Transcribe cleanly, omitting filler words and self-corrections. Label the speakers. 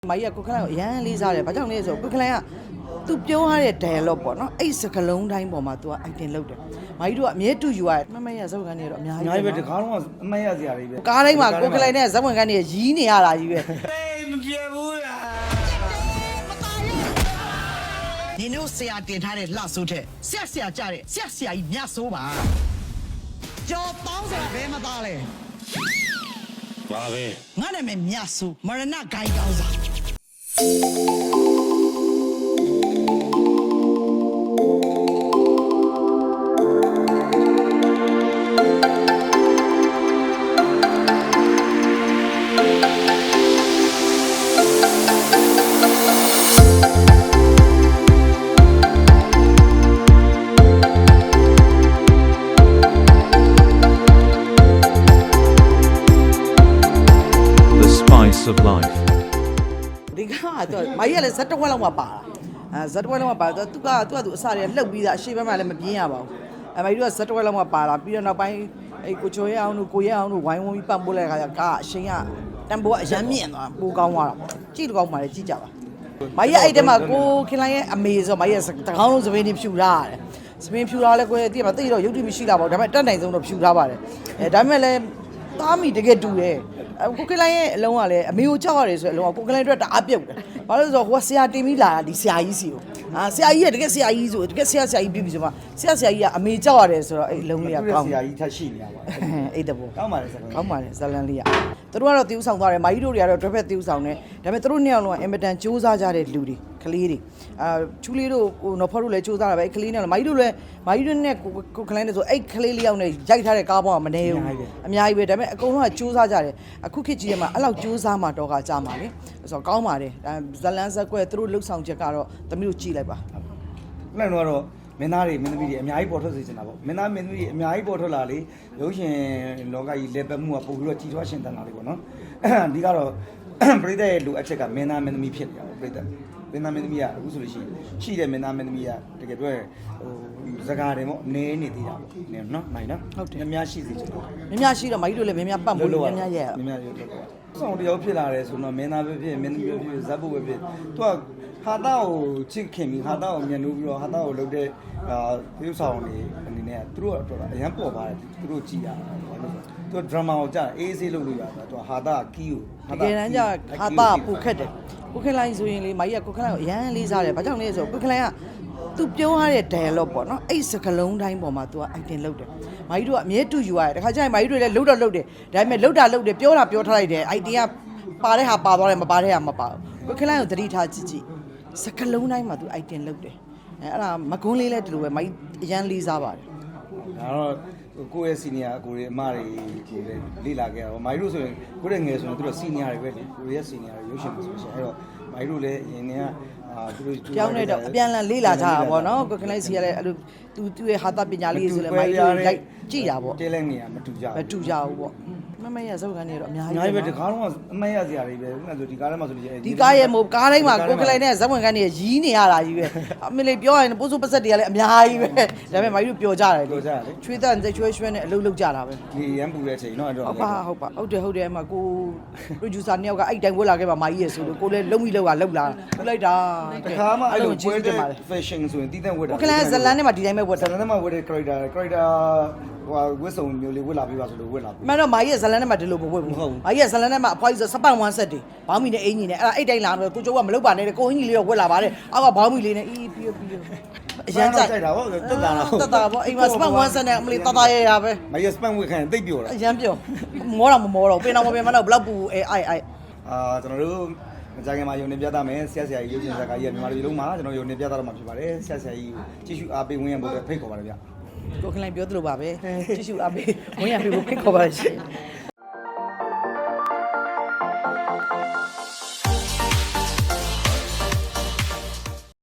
Speaker 1: မာကြီးကကိုခလိုင်ကိုအရန်လေးစားတယ်ဘာကြောင့်လဲဆိုကိုခလိုင်ကသူပြောရတဲ့ dialogue ပေါ့နော်အဲ့စကလုံးတိုင်းပေါ်မှာ तू က item လုပ်တယ်မာကြီးတို့ကအမြဲတူယူရတယ်မမရဇက်ဝင်ကန်တွေတော့အများကြီး
Speaker 2: ပဲတကားလုံးကအမတ်ရစရာတွေပဲ
Speaker 1: ကားတိုင်းမှာကိုခလိုင်နဲ့ဇက်ဝင်ကန်တွေရီးနေရတာကြီးပဲ
Speaker 2: မပြေဘူးလား
Speaker 3: ဒီနို့ဆရာတင်ထားတဲ့လှဆိုးတဲ့ဆရာကြတဲ့ဆရာကြီးမြတ်ဆိုးပါကြော်ပေါင်းစရာဘဲမသားလဲ
Speaker 2: ပါပဲ
Speaker 3: ငါနာမည်မြတ်ဆိုးမရဏဂိုင်းကောင်းစား
Speaker 4: of life
Speaker 1: ဒီကတော့မာကြီးကလည်းဇက်တဝက်လောက်မှပါတာဇက်တဝက်လောက်မှပါတော့သူကအစတွေကလှုပ်ပြီးသားအရှိဘက်မှလည်းမပြင်းရပါဘူးမာကြီးတို့ကဇက်တဝက်လောက်မှပါလာပြီးတော့နောက်ပိုင်းကိုချိုရဲအောင်တို့ကိုရဲအောင်တို့ဝိုင်းဝန်းပြီးပံ့ပိုးလိုက်ခါကျကအရှင်ကတန်ဖိုးကအရန်မြင့်သွားပိုကောင်းသွားတာပေါ့ကြည့်ကောင်းပါလေကြည့်ကြပါမာကြီးအဲ့တဲမှာကိုခင်လိုင်းရဲ့အမေဆိုမာကြီးကတကောင်းလုံးစပင်းနေဖြူထားရတယ်စပင်းဖြူထားလဲကိုတည့်မှာတိတော့ရုပ်တိမရှိလာပါဘူးဒါပေမဲ့တက်နိုင်ဆုံးတော့ဖြူထားပါတယ်ဒါပေမဲ့လည်းသားမိတကယ်တူတယ်ကိုကလိုင်းရဲ့အလုံးကလည်းအမေကိုကြောက်ရတယ်ဆိုရင်အလုံးကကိုကလိုင်းအတွက်တအားပြုတ်တယ်။ဘာလို့လဲဆိုတော့ဟိုကဆရာတင်ပြီးလာတာဒီဆရာကြီးစီကိုဆရာကြီးကတကယ်ဆရာကြီးဆိုတကယ်ဆရာကြီးပြီးပြီဆိုမှဆရာကြီးကအမေကြောက်ရတယ်ဆိုတော့အဲ့အလုံးလေးကကောင်း
Speaker 2: ဆရာကြီးထပ်ရှိနေရပါ
Speaker 1: အဲ့တဘော
Speaker 2: ကောင်းပါလေဇလန်
Speaker 1: ကောင်းပါလေဇလန်လေးကသူတို့ကတော့တီးဥဆောင်သွားတယ်မာကြီးတို့တွေကတော့တွဲဖက်တီးဥဆောင်တယ်ဒါပေမဲ့သူတို့နှစ်ယောက်လုံးကအင်မတန်စူးစမ်းကြတဲ့လူတွေကလေးတွေချူလေးတို့ကိုနော်ဖော်တို့လည်းစူးစမ်းတာပဲအဲ့ကလေးနဲ့မာကြီးတို့လည်းမာကြီးတို့နဲ့ကိုကလိုင်းနဲ့ဆိုအဲ့ကလေးလေးယောက်နဲ့ရိုက်ထားတဲ့ကားပေါ်ကမနေဘူးအများကြီးပဲဒါပေမဲ့အကုန်လုံးကစူးစမ်းကြတယ်အခုခေတ်ကြီးထဲမှာအဲ့လောက်စူးစမ်းမှတော့ကကြမှာလေဆိုတော့ကောင်းပါတယ်ဇလန်ဇက်ကွဲသူတို့လှုပ်ဆောင်ချက်ကတော့သမီးတို့ကြည့်လိုက်ပါ
Speaker 2: အဲ့တော့မင်းသားတွေမင်းသမီးတွေအများကြီးပေါ်ထွက်စေချင်တာပေါ့မင်းသားမင်းသမီးတွေအများကြီးပေါ်ထွက်လာလေရုပ်ရှင်လောကကြီးလက်ပတ်မှုကပို့ပြီးတော့ကြီးထွားရှင်တန်လာလေပေါ့နော်ဒီကတော့ပရိသတ်ရဲ့လူအချက်ကမင်းသားမင်းသမီးဖြစ်နေတာပေါ့ပရိသတ်မင်းသားမင်းသမီးကအခုဆိုလို့ရှိတဲ့မင်းသားမင်းသမီးကတကယ်ပြောရင်ဟိုစကားတယ်ပေါ့နည်းနေသေးတာပေါ့နည်းနော်နိုင်နော်
Speaker 1: ဟုတ်တယ်
Speaker 2: များရှိစေချင်တယ်
Speaker 1: များရှိတော့မကြီးတို့လည်းများပတ်ဖို့များရဲ့
Speaker 2: များရွတ်တော့ဆောင်တယောက်ဖြစ်လာတယ်ဆိုတော့မင်းသားပဲဖြစ်မင်းသမီးပဲဖြစ်ဇက်ဖို့ပဲဖြစ်သူကဟာတာကိုချစ်ခင်ပြီးဟာတာကိုမြန်လို့ပြီးတော့ဟာတာကိုလုပ်တဲ့ပြုဆောင်နေအနေနဲ့သူတို့ကတော့အရန်ပေါ်ပါတယ်သူတို့ကြည်ရတာဘာလို့လဲသူဒရမာကိုကြာအေးဆေးလုပ်လို့ရတာသူဟာတာကီးကို
Speaker 1: တကယ်တမ်းကျဟာတာပူခက်တယ်ကိုခလိုင်းဆိုရင်လေမကြီးကကိုခလိုင်းကိုအရန်လေးစားတယ်ဘာကြောင့်လဲဆိုကိုခလိုင်းကသူပြောရတဲ့ dialogue ပေါ့နော်အဲ့စကလုံးတိုင်းပေါ်မှာ तू က item လုပ်တယ်မာကြီးတို့ကအမြဲတူယူရတယ်တခါကျရင်မာကြီးတို့လည်းလှုပ်တော့လှုပ်တယ်ဒါပေမဲ့လှုပ်တာလှုပ်တယ်ပြောတာပြောထားလိုက်တယ် item ကပါတဲ့ဟာပါသွားတယ်မပါတဲ့ဟာမပါဘူးကိုခလိုင်းကိုသတိထားကြည့်ကြည့်စကလုံးတိုင်းမှာ तू item လုပ်တယ်အဲ့ဒါမကွန်းလေးလည်းဒီလိုပဲမာကြီးအရန်လေးစားပါတယ်
Speaker 2: ဒါတော့ကိုယ့်ရဲ့ senior ကိုရဲ့အမတွေကိုလည်းလေ့လာခဲ့တာပေါ့မာကြီးတို့ဆိုရင်ကိုယ့်ရဲ့ငယ်ဆိုရင်သူတို့ senior တွေပဲလေကိုရဲ့ senior တွေရုပ်ရှင်မှာဆိုရှင်အဲ့တော့မာကြီးတို့လည်းအရင်ကသူတို့
Speaker 1: ကြောင်းနေတော့အပြန်လန်လေးလာကြတာပေါ့နော်ကိုကလိုင်းစီကလည်းအဲ့လိုသူ့ရဲ့ဟာတာပညာလေးဆိုလည်းမာကြီးတို့ရိုက်ကြည့်တာပေါ့
Speaker 2: တဲလဲနေရမတူကြဘူး
Speaker 1: မတူကြဘူးပေါ့မမရဇက်ကန်တွေတော့အများကြီး
Speaker 2: ပဲတကားလုံးကအမတ်ရစရာတွေပဲခုနကဆိုဒီကားထဲမှာဆိုလို့
Speaker 1: ဒီကားရဲ့မို့ကားတိုင်းမှာကိုကလိုင်းနဲ့ဇက်ဝင်ကန်တွေရီးနေရတာကြီးပဲအမေလေးပြောရင်ပိုးစိုးပစက်တွေကလည်းအများကြီးပဲဒါပေမဲ့မာကြီးတို့ပျော်ကြတယ်ချွေးတန်ချွေးရွှဲနဲ့အလုပ်လုပ်ကြတာပဲ
Speaker 2: ဒီရန်ပူတဲ့အချိန်နော်အဲ့တော့
Speaker 1: ဟုတ်ပါဟုတ်တယ်အမကို producer နှစ်ယောက်ကအဲ့တိုင်ဝက်လာခဲ့ပါမာကြီးရဲ့ဆိုလို့ကိုလည်းလုံးပြီးလောက်လာလိုက်တာ
Speaker 2: တခါမှအဲ့လိုပွဲတဲ့ fashion ဆိုရင်တည်တဲ့ဝက်တာ
Speaker 1: ကိုကလိုင်းဇလန်နဲ့မှဒီတိုင်းပဲဝက်တာ
Speaker 2: ဇလန်နဲ့မှဝက်တဲ့ character ဟိုဝက်စုံမျိုးလေးဝက်လာပြီးပါဆိုလို့ဝက်လာပြီ
Speaker 1: မှန်တော့မာကြီးရဲ့ဇလန်နဲ့မှဒီလိုမဝက်ဘူးမာကြီးရဲ့ဇလန်နဲ့မှအဖွားကြီးဆိုစပတ်1 set တွေဘောင်းမီနဲ့အင်ကြီးနဲ့အဲ့ဒါအဲ့တိုင်းလာတော့ကိုကျိုးကမလုပ်ပါနဲ့ကိုအင်ကြီးလေးတော့ဝက်လာပါတယ်အောက်ကဘောင်းမီလေးနဲ့ပြီး
Speaker 2: အရန်ကြိုက်တာပေါ့တက်တာလား
Speaker 1: တက်တာပေါ့အိမ်မှာစပတ်1 set နဲ့အမလေးတတရပဲ
Speaker 2: မာကြီးစပတ်ဝက်ခံတိတ်ပြောတာ
Speaker 1: အရန်ပြောမောတော့မမောတော့ပင်တော့မပင်မတော့ဘလောက်ပူအဲ့
Speaker 2: ကျွန်တော်တို့မကြခင်မှာယုံနေပြသမယ်ဆရာကြီးရုပ်ရှင်ဇာတ်ကားကြီးကမြန်မာပြည်လုံးမှာကျွန်တော်ယုံနေပြသတော့မှာဖြစ်ပါတယ်ဆရာကြီးကိုကြည့်ရှုအားပေးဝင်ရဖို့ဖိတ်ခေါ်ပါတယ်ဗျ
Speaker 1: ကိုခလိုင်းပြောသလိုပါပဲကြည့်ရှုအားပေးဝင်ရဖို့ဖိတ်ခေါ်ပါရှင်